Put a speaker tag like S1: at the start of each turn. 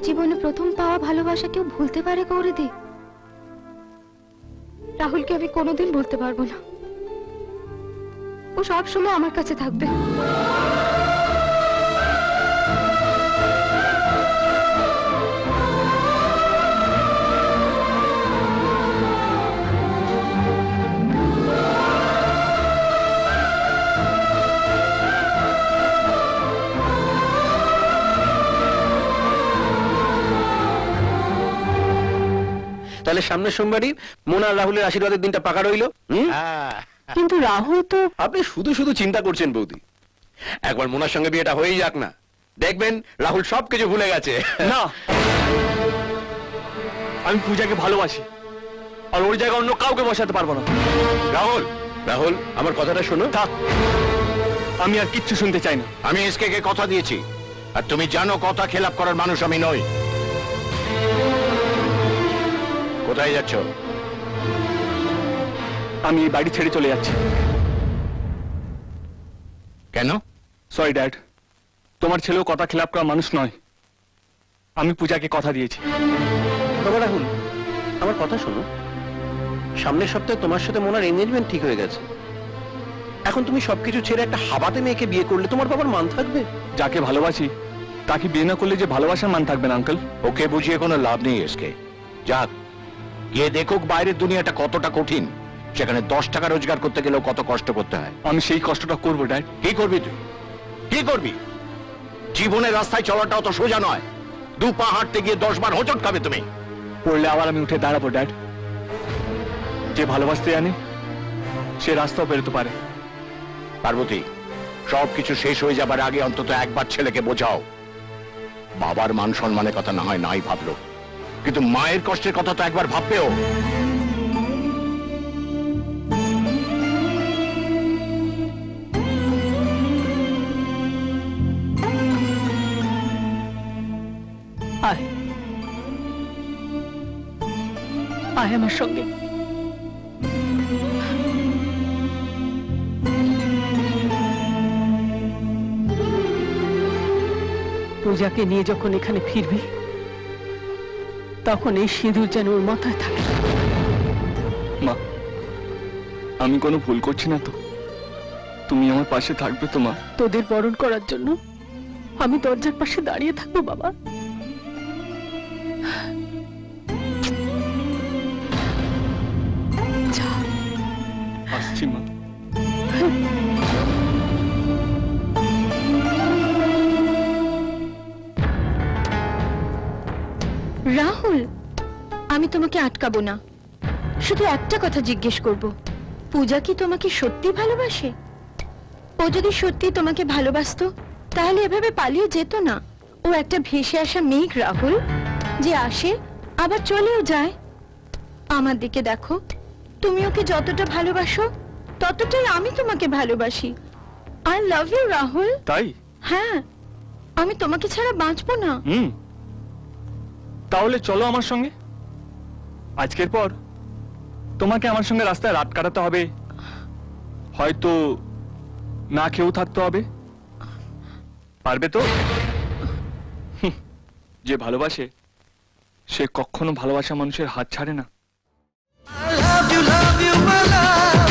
S1: জীবনে প্রথম পাওয়া ভালোবাসা কেউ ভুলতে পারে গৌরীদি? রাহুলকে আমি কোনোদিন ভুলতে পারবো না। ও সব সময় আমার কাছে থাকবে।
S2: তাহলে সামনের সোমবারই মোনা আর রাহুলের আশীর্বাদের দিনটা পাকা রইল।
S1: কিন্তু রাহুল তো...
S2: আপনি শুধু শুধু চিন্তা করছেন বৌদি, একবার মোনার সঙ্গে বিয়েটা হয়েই যাক না, দেখবেন রাহুল সবকিছু ভুলে গেছে।
S3: না, আমি পূজাকে ভালোবাসি, আর ওর জায়গায় অন্য কাউকে বসাতে পারবো না।
S2: রাহুল, রাহুল আমার কথাটা শোনো।
S3: থাক, আমি আর কিচ্ছু শুনতে চাই না।
S4: আমি এসকে কে কথা দিয়েছি, আর তুমি জানো কথা খেলাপ করার মানুষ আমি নই। কোথায় যাচ্ছ?
S3: আমি এই বাড়ি ছেড়ে চলে যাচ্ছি।
S4: কেন?
S3: সরি ড্যাড, তোমার ছেলেও কথা খেলাপ করার মানুষ নয়। আমি পূজাকে কথা দিয়েছি।
S2: বাবা রাহুল, আমার কথা শোনো। সামনের সপ্তাহে তোমার সাথে মোনার এনগেজমেন্ট ঠিক হয়ে গেছে। এখন তুমি সবকিছু ছেড়ে একটা হাবাতে মেয়েকে বিয়ে করলে তোমার বাবার মান থাকবে?
S3: যাকে ভালোবাসি তাকে বিয়ে না করলে যে ভালোবাসার মান থাকবে না আঙ্কেল।
S4: ওকে বুঝিয়ে কোনো লাভ নেই এসকে। যাক, গিয়ে দেখুক বাইরের দুনিয়াটা কতটা কঠিন, সেখানে 10 টাকা রোজগার করতে গেলেও কত কষ্ট করতে হয়।
S3: আমি সেই কষ্টটা করবো ড্যাড।
S4: কি করবি তুই? কি করবি? জীবনের রাস্তায় চলাটা অত সোজা নয়। 2 পা হাঁটতে গিয়ে 10 বার হোঁচট খাবে তুমি।
S3: পড়লে আবার আমি উঠে দাঁড়াবো ড্যাড। যে ভালোবাসতে জানে সে রাস্তাও বেরোতে পারে।
S4: পার্বতী, সবকিছু শেষ হয়ে যাবার আগে অন্তত একবার ছেলেকে বোঝাও। বাবার মান সম্মানের কথা না হয় নাই ভাবলো, কিন্তু মায়ের কষ্টের কথা তো একবার ভাববেও।
S5: আয় আয় আমার সঙ্গে। পূজাকে নিয়ে যখন এখানে ফিরবি তখন এই সিঁদুর যেন ওর মাথায় থাকে।
S3: মা, আমি কোনো ভুল করছি না তো? তুমি আমার পাশে থাকবে তো মা?
S5: তোদের বরণ করার জন্য আমি দরজার পাশে দাঁড়িয়ে থাকবো বাবা। যা।
S3: আসছি মা।
S1: রাহুল, আমি তোমাকে আটকাবো না, শুধু একটা কথা জিজ্ঞেস করব। পূজা কি তোমাকে সত্যি ভালোবাসে? ও যদি সত্যি তোমাকে ভালোবাসতো তাহলে এভাবে পালিয়ে যেত না। ও একটা ভেসে আসা মেঘ রাহুল, যে আসে আবার চলেও যায়। আমার দিকে দেখো, তুমি ওকে যতটা ভালোবাসো ততটাই আমি তোমাকে ভালোবাসি। I love you Rahul.
S3: তাই?
S1: হ্যাঁ, আমি তোমাকে ছাড়া বাঁচবো না।
S3: তাহলে চলো আমার সঙ্গে। আজকের পর তোমাকে আমার সঙ্গে রাস্তায় রাত কাটাতে হবে, হয়তো না খেয়েও থাকতে হবে। পারবে তো? যে ভালোবাসে সে কখনো ভালোবাসা মানুষের হাত ছাড়ে না।
S6: I love you, my love.